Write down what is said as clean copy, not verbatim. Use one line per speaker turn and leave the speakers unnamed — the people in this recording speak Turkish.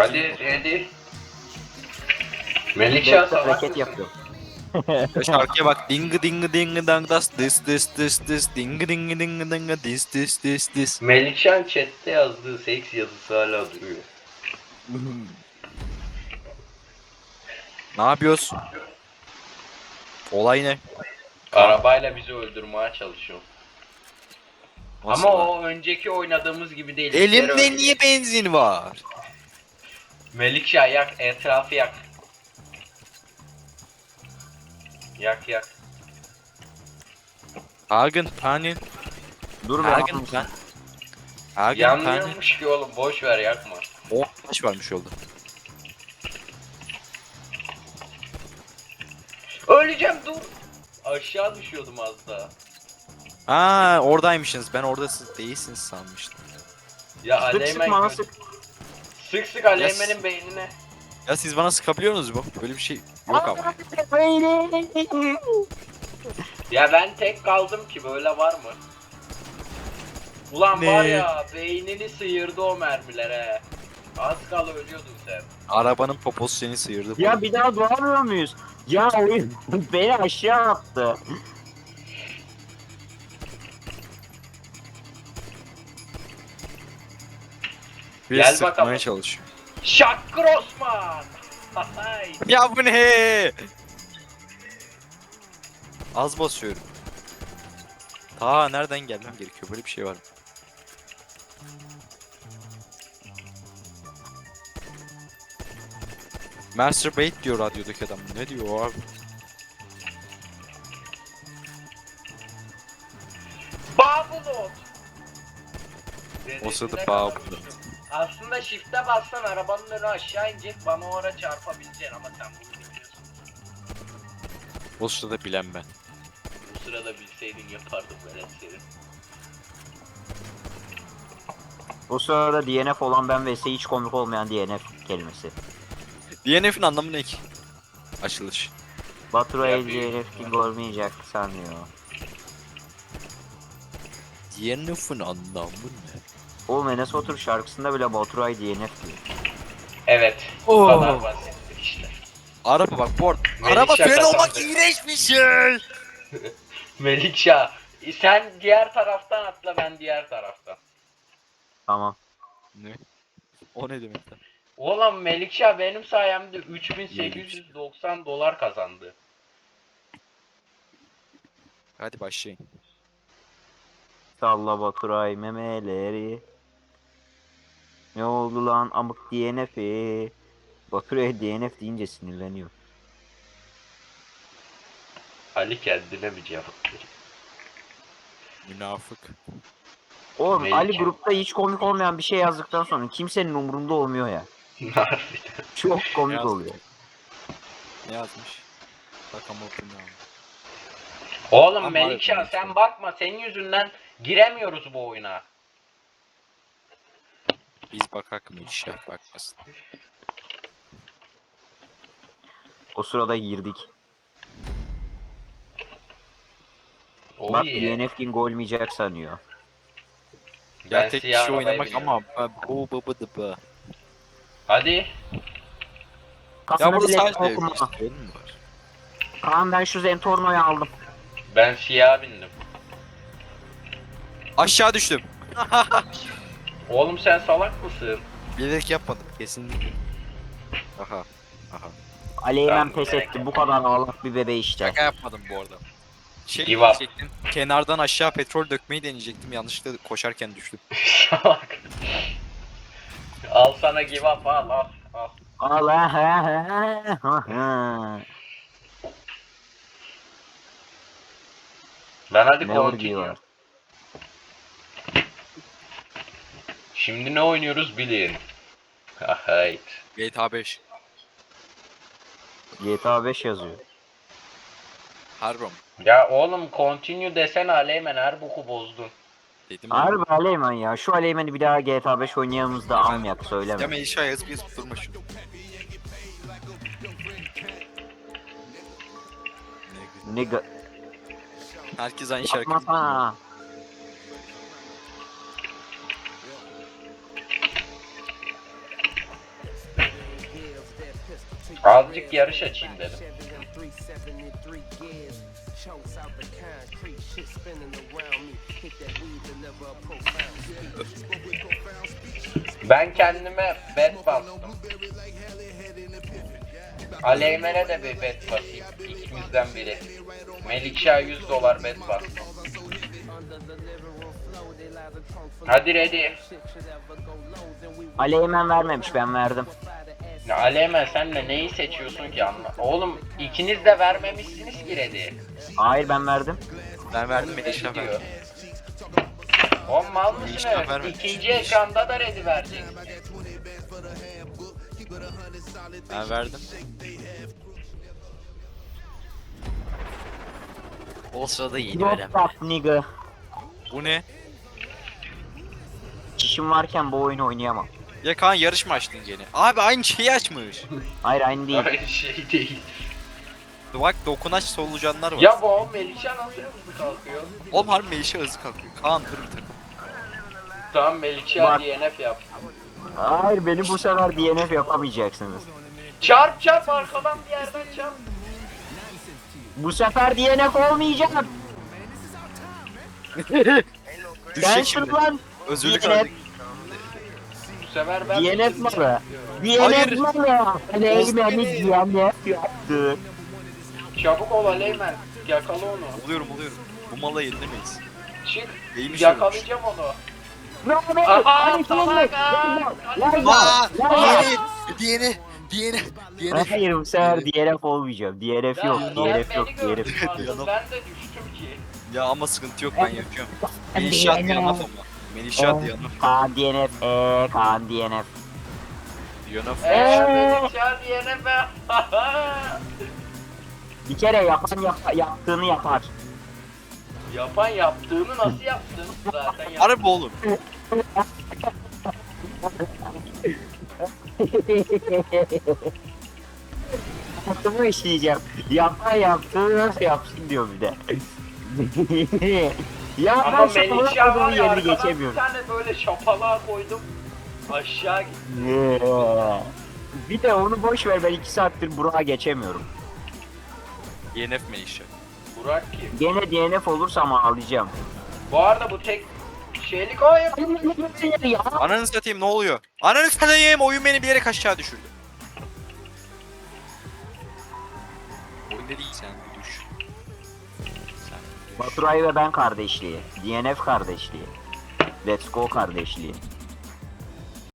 Hadi hadi. Melikşah salak
hareket
mısın?
yapıyor.
Ya şarkıya bak. Ding ding ding dang das this this this this ding ding ding ding this this this this.
Melikşah'ın chatte yazdığı seks yazısı hala duruyor.
Ne yapıyoruz? Olay ne?
Arabayla bizi öldürmeye çalışıyor.
Nasıl
Ama
lan?
o önceki oynadığımız gibi değil.
Elimde niye benzin var?
Melikşah yak, etrafı yak. Yak yak.
Hagen panin.
Dur be.
Hagen pan. Hagen panin.
Yanmıyormuş ki oğlum, boş ver yakma.
Oh taş varmış yolda.
Öleceğim dur. Aşağı düşüyordum az daha.
Ha oradaymışsınız. Ben orada siz değilsiniz sanmıştım.
Ya
Sık sık
Aleymen
bana
gö-
sık.
Sık sık Aleymen'in beynine.
Ya siz bana sıkabiliyor musunuz bu? Böyle bir şey yok ama.
Ya ben tek kaldım ki, böyle var mı? Ulan
Ne?
var ya, beynini sıyırdı o mermilere. Az kala ölüyordun sen.
Arabanın poposu seni sıyırdı.
Ya bir daha doğamıyor muyuz? Ya oyun beni aşağı attı.
Bir
Gel
sıkmaya
bakalım.
çalışıyor.
Şakkır Osman! Hay!
Ya bu ne? Az basıyorum. Ta nereden gelmem gerekiyor? Böyle bir şey var mı? Masturbate diyor radyodaki adam. Ne diyor abi?
Babulot!
O sırada
Dedesine
Babulot.
kalmıştım. Aslında shift'e bassan arabanın önü aşağı inecek, bana o ara çarpabileceksin ama sen bunu bilmiyorsun.
O sırada bilen ben.
Bu sırada bilseydin yapardım ben seni.
O sırada DNF olan ben vs hiç komik olmayan DNF kelimesi.
DNF'in anlamı ne ki? Açılış.
Baturay'ı
Ya büyük
DNF king olmayacak sanıyor.
DNF'in anlamı ne?
Oğlum Enes Batur şarkısında bile Baturay DNF diyor.
Evet, bu kadar basittir işte.
Araba bak bu arada.
Melih
Araba
şaka
fren olmak
sandı.
iğrenç bir şey.
Melikşah, sen diğer taraftan atla, ben diğer taraftan.
Tamam.
Ne? O ne demek lan?
Oğlum Melikşah benim sayemde 3890 dolar kazandı.
Hadi başlayın.
Salla Baturay memeleri. Ne oldu lan amık DNF'i? Baturay DNF deyince sinirleniyor.
Ali kendine bir cevap veriyor.
Münafık.
Oğlum
Melike.
Ali grupta hiç komik olmayan bir şey yazdıktan sonra kimsenin umurunda olmuyor ya.
Harbiden.
Çok komik
Yazmış.
oluyor.
Ne yazmış? Bakalım okuyun abi.
Oğlum
Ama
Melikşah
harbiden
sen bakma, senin yüzünden giremiyoruz bu oyuna.
Biz bakak mı inşallah bakmasın.
O sırada girdik.
O
Bak
iyi.
DNF king olmayacak sanıyor.
Ya
Ben
tek
siyah
kişi
arabaya
oynamak
biniyorum.
ama bu bu bu bu bu.
Hadi.
Ya
Aslında
burada
bilet
sadece
okuma.
oyun mu var?
Kaan ben şu Zentorno'yu aldım.
Ben siyah bindim.
Aşağı düştüm.
Oğlum sen salak mısın?
Bilerek yapmadım kesinlikle. Aha. Aha.
Ali hemen
Ben
pes
bilerek
etti. Bu kadar ağlak bir bebe işte.
Şaka yapmadım bu arada. Şey
Give up.
diyecektim. Kenardan aşağı petrol dökmeyi deneyecektim. Yanlışlıkla koşarken düştüm.
Salak. Al sana give up, al al al.
Allah.
Ben hadi
Never
continue.
give up.
Şimdi ne oynuyoruz bilin. Hayt.
GTA 5.
GTA 5 yazıyor.
Harbi mi?
Ya oğlum continue desene Aleymen, her boku bozdun.
Dedim
Harbi Aleyman ya. Şu Aleyman'ı bir daha GTA 5 oynayalımız da almayak
Ya
söyleme.
Melişah yazıp yazıp durma şunu.
Ne
Herkes aynı şarkı.
yapmasana.
Azıcık yarış açayım dedim. Ben kendime bet bastım. Aleymen'e de bir bet basayım. İkimizden biri. Melikşah $100 bet bastım. Hadi ready.
Aleymen vermemiş, ben verdim.
Ya Aleymen sen de neyi seçiyorsun ki anla. Oğlum ikiniz de vermemişsiniz ki ready.
Hayır, ben verdim.
Ben verdim
Ne
Melişah
diyor?
verdim.
Oğlum mal mısın
Melişah
evet?
vermedi.
İkinci ekranda da ready verecek.
Ben verdim. O sırada yeni
Drop
verem.
top nigga.
Bu ne?
Çişim varken bu oyunu oynayamam.
Ya Kaan yarış mı açtın gene? Abi aynı şeyi açmış.
Hayır, aynı değil.
Aynı şey değil.
Bak dokunaç solucanlar var.
Ya bu oğlum Melikşah nasıl hızlı kalkıyor?
Oğlum harbi Melişah hızlı kalkıyor. Kaan dur bir dur.
Tamam Melikşah
Bak.
DNF yap.
Hayır, beni bu sefer DNF yapamayacaksınız.
Çarp çarp arkadan bir yerden çarp.
Bu sefer DNF olmayacağım.
Düşecek
Sensin
şimdi.
lan.
Özürlük
DNF.
aldık.
Bu sefer ben
DNF malı.
Hayır.
DNF malı. Aleymen'i DNF yaptı.
Çabuk ol Aleymen. Yakala onu.
Oluyorum. Bu mala yenilemeyiz.
Çık.
Neymiş
Yakalayacağım onu.
Bravo.
Aha,
Hadi
salak
salak.
ha.
Diğeri.
Hayır, bu sefer DNF olmayacağım. DNF yok.
Ya,
DNF
sen
yok.
beni gördün
DNF.
aslında, ben de düştüm ki.
Ya ama sıkıntı yok ben yapıyorum. Melişah Diyanaf ama. Melişah Diyanaf.
Kaan DNF. Kaan DNF.
Diyanaf.
Melikşah DNF.
Bir kere yapan yaptığını yapar.
Yapan yaptığını nasıl yaptın? Zaten yaptın.
Harbi oğlum.
Yaptığımı işleyeceğim. Yapan yaptığını nasıl yapsın diyor bir de. Ya
Ama
ben şapalak
Melikşah
adamın
var ya
yerini
arkadan bir
geçemiyorum.
tane böyle şapalığa koydum. Aşağı gitti.
Bir de onu boş ver, ben 2 saattir Burak'a geçemiyorum.
DNF Melişah.
Burak kim?
Gene DNF olursam ağlayacağım.
Bu arada bu tek şeylik o ya.
Ya.
Ananı satayım ne oluyor? Ananı satayım oyun beni bir yere aşağı düşürdü. Oyun değil sen bir düş. Sen bir düş.
Baturay ve ben kardeşliği. DNF kardeşliği. Let's go kardeşliği.